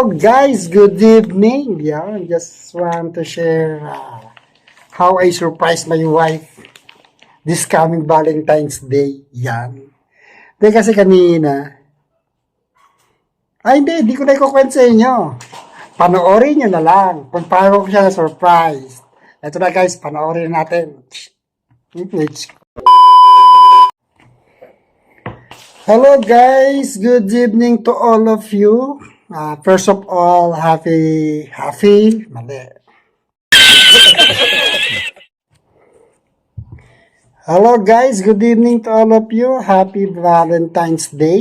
Hello guys, good evening. Just want to share how I surprised my wife this coming Valentine's Day. Di kasi kanina. Hindi ko na ikukwento sa inyo. Panoorin nyo na lang kung paano ko siya surprise. Ito na guys, panoorin natin. Hello guys, good evening to all of you. First of all, happy, mali. Hello guys, good evening to all of you. Happy Valentine's Day.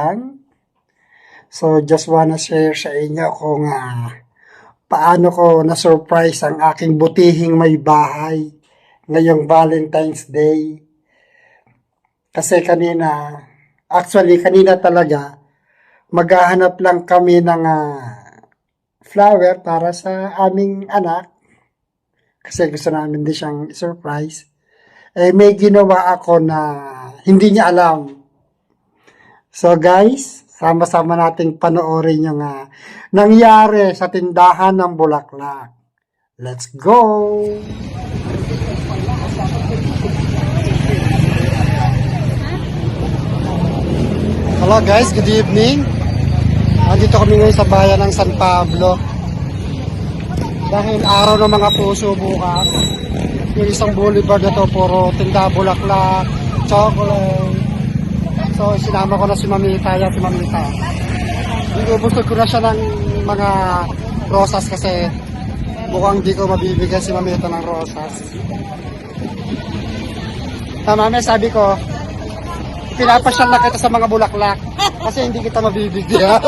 So, just wanna share sa inyo kung paano ko na-surprise ang aking butihing may bahay ngayong Valentine's Day. Kasi kanina talaga, maghahanap lang kami ng flower para sa aming anak. Kasi gusto namin din siyang surprise. May ginawa ako na hindi niya alam. So guys, sama-sama nating panoorin yung nangyari sa tindahan ng bulaklak. Let's go! Hello guys, good evening. Nandito kami ngayon sa bayan ng San Pablo. Dahil araw ng mga puso bukas. Yung isang boulevard na to, puro tinda bulaklak, chocolate. So, sinama ko na si Mamita. Binubustod ko na siya ng mga rosas kasi mukhang di ko mabibigyan si Mamita ng rosas. Mami, sabi ko, pinapasyal na kita sa mga bulaklak kasi hindi kita mabibigyan.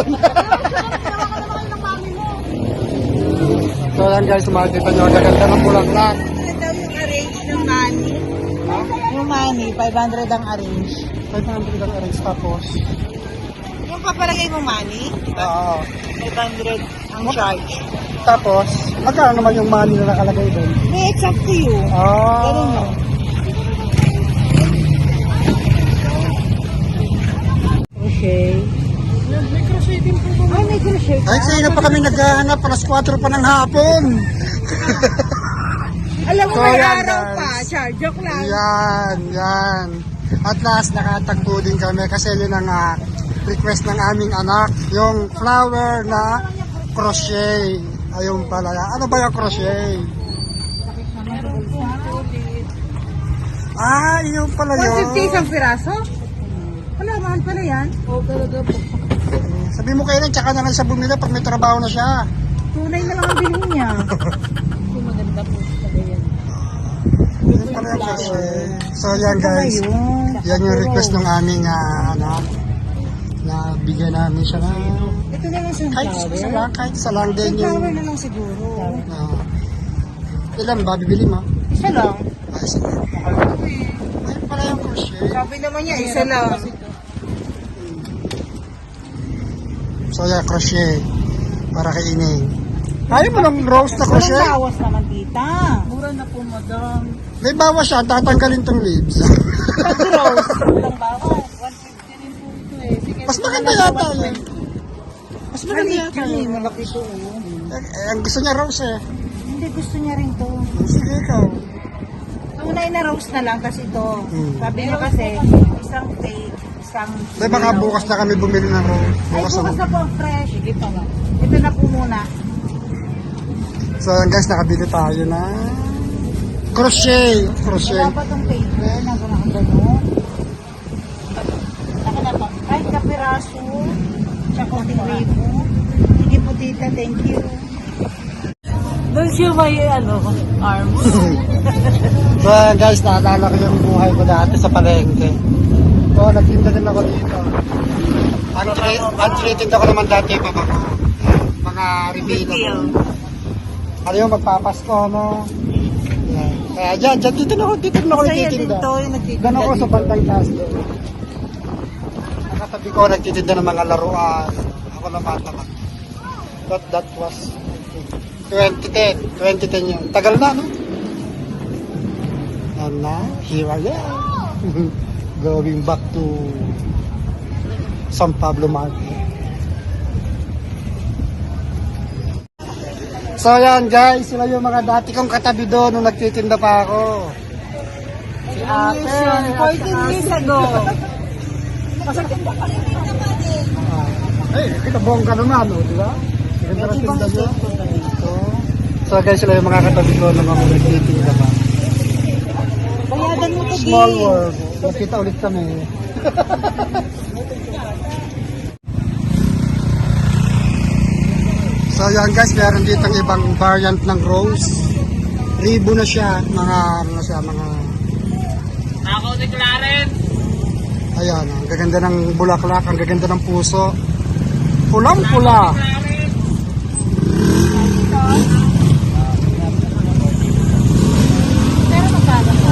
So yan guys, makikita nyo, gaganda ng bulaklak. Ano daw yung arrange ng money? Yung money, 500 ang arrange. 500 ang arrange tapos. Yung papalagay mo money? Oo. 500 ang charge. Tapos, magkano naman yung money na nakalagay doon? It's up to you. Ganun mo. Okay. May crochet din po ba? Ay, may crochet ka? Ay, sa'yo pa kami naghahanap, alas 4 pa ng hapon. Alam mo, So, may yan, araw guys. pa. Charge, joke lang. Yan. At last, nakatagpo din kami kasi yun ang request ng aming anak, yung flower na crochet. Ayun pala. Ano ba yung crochet? Yun pala yun. 150 isang piraso? Wala, mahal pala yan. Oo, talaga po. Sabi mo kailan, tsaka na lang siya bumili pag may trabaho na siya. Tunay na lang ang bilhin niya. Maganda po talaga yan. Yun pala yung crochet. So yan guys, yan yung request ng aming anak. Na bigyan namin siya na Ito na lang kahit isa lang din yung sunflower na lang siguro. ilan ba bibili mo? Isa lang. Isa lang. Ayun pala yung crochet. Sabi naman niya, isa lang. So yan, crochet para kay Ining. Ayaw mo ng rose na crochet? Walang bawas naman, tita. Mura na po, madam. May bawas siya, tatanggalin tong leaves. Pag-rose, walang bawas. 150 rin po ito eh. Sige, Mas maganda yata yun. Mas maganda maliit yata yun eh, yun. malaki ito. Ang gusto niya rose eh. Hindi, gusto niya rin to. Sige ikaw. Tunay na rose na lang kasi ito. Sabi niya kasi, isang fake, isang... May baka bukas na kami bumili ng rose. Ay, bukas na po, fresh. Sige pa nga. Ito na po muna. So yan guys, nakabili tayo na crochet. Wala pa itong paper na gano'n. Ako na pa. Kahit kapiraso, tsaka konting ribo. Sige po, tita, thank you. Doon siya may arms. So yan guys, naalala ko yung buhay ko dati sa palengke. So nagtinda din ako dito. Untreated ako naman dati pa ako. Mga reveal. Ano yung magpapasko, no? Yan. Kaya dyan, dito na ako nagtitinda. Gano'n ako sa bandang taas doon. Nakatabi ko, nagtitinda ng mga laruan. Ako naman, tamak. But that was 2010 yun. Tagal na, no? And now, here I am. Going back to San Pablo Market. So yan guys, sila yung mga dati kong katabi doon nung nagtitinda pa ako. Si ate, 14 years ago. Ay, kita bongga naman, oh, di ba? Ganda ng tinda niya. So guys, sila yung mga katabi ko nung ako nagtitinda pa. Bayadan mo to, Small world. Nakita ulit kami. So yan guys, meron dito ang ibang variant ng rose. Ribo na siya, mga ano na siya, mga... Ako si Clarence. Ayan, ang gaganda ng bulaklak, ang gaganda ng puso. Pulang-pula. Pero magkano po?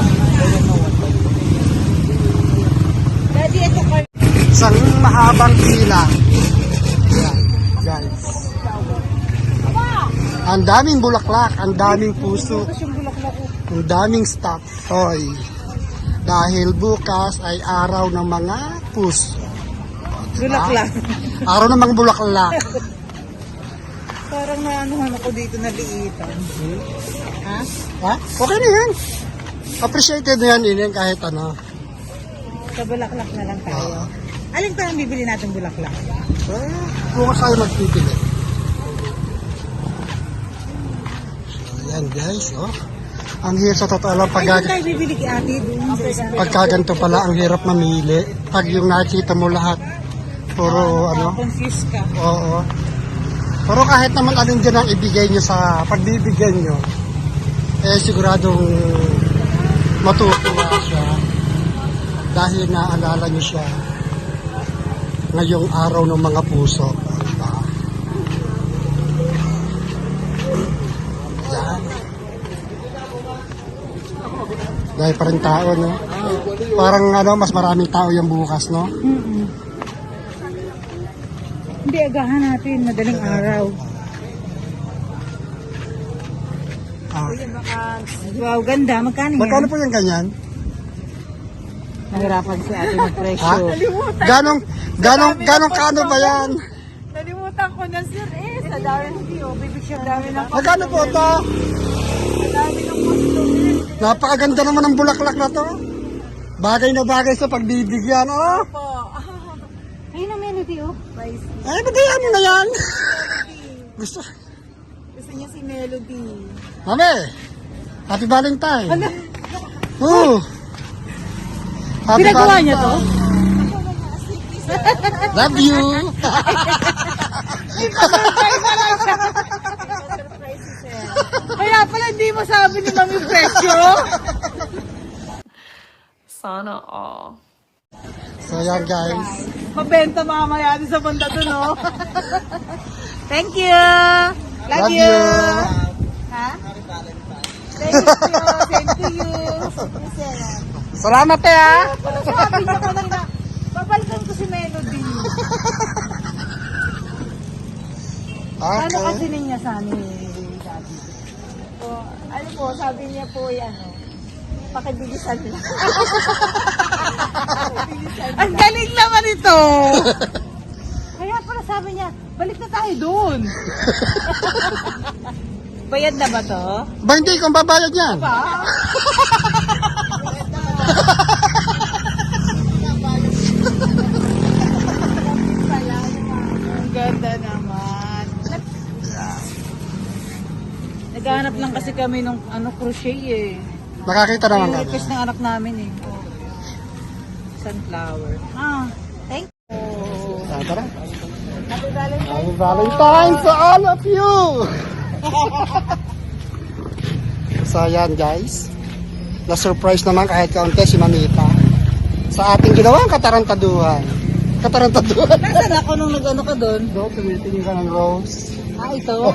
Daddy, ito ko. Isang mahabang pila. Ayan, guys. Ang daming bulaklak, ang daming puso, ang daming stock toy. Dahil bukas ay araw ng mga puso. Bulaklak. Araw ng mga bulaklak. Parang naanuhan ako dito na liitan. Ha? Ha? Okay na yan. Appreciated na yan, Inen, kahit ano. Sa bulaklak na lang tayo. Alin pa ang bibili natin bulaklak? Bukas tayo magpipili. So, yan guys, oh. Ang hirap sa totoo lang Ay, doon tayo bibili kay ate doon. pagkaganto pala, ang hirap mamili. Pag yung nakita mo lahat, puro ano. Confused ka. Oo. Pero kahit naman alin dyan ang ibigay nyo sa pagbibigyan nyo, eh siguradong matutuwa siya dahil naalala nyo siya ngayong araw ng mga puso. Diba? Yan. Dahil pa rin tao, no? Parang ano, mas maraming tao yung bukas, no? Hindi, agahan natin. Madaling araw. Ah. Wow, ganda. Magkano yan? Magkano po yung ganyan? Nahirapan si ate ng Ha? presyo. Ganong kano ba yan? Nalimutan ko na sir eh. Sa dami ng video. Bibigyan dami ng Magkano po ito? Napakaganda naman ng bulaklak na to. Bagay na bagay sa pagbibigyan, oh. po. Ayun ang melody oh. Ay, bagayan mo na yan. Gusto. Gusto niya si Melody. Mami, Happy Valentine. Oo. Happy Ginagawa Valentine. niya to? Love you. Kaya pala hindi mo sabi ni Mami presyo. Sana all. So yan guys. Mabenta mamaya din sa banda dun oh. Thank you. Love, Love you. you. Ha? Thank you. Thank you. Salamat ha. Sabi niya kanina, babalikan ko si Melody. Ano Okay. kasi niya sa amin, Daddy? Ano po, sabi niya po yan, pakibilisan lang. Ang galing naman ito. Kaya pala sabi niya, balik na tayo doon. Bayad na ba to? Ba hindi kung babayad yan? Pa? Ang ganda naman. Naghahanap lang kasi kami ng crochet eh. Makakita naman Yung kami. request ng anak namin eh. Sunflower. Thank you. Tara. Happy Valentine's. Happy Valentine to all of you! So yan guys, na-surprise naman kahit kaunti si Mamita sa ating ginawang katarantaduhan. Katarantaduhan. Nasaan ako nung nag-ano ka doon? Doon, tumitingin ka ng rose. Ito?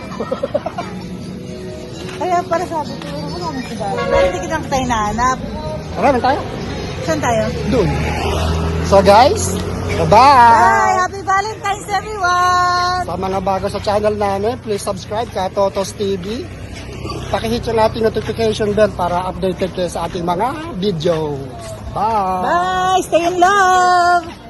Kaya para sabi ko, wala nang siya. Pero hindi kitang tayo nahanap. Tara, tayo. Saan tayo? Doon. So guys, bye-bye! Bye! Happy Valentine's everyone! Sa mga bago sa channel namin, please subscribe ka Totos TV. Pakihit yung ating notification bell para updated kayo sa ating mga videos. Bye! Bye! Stay in love!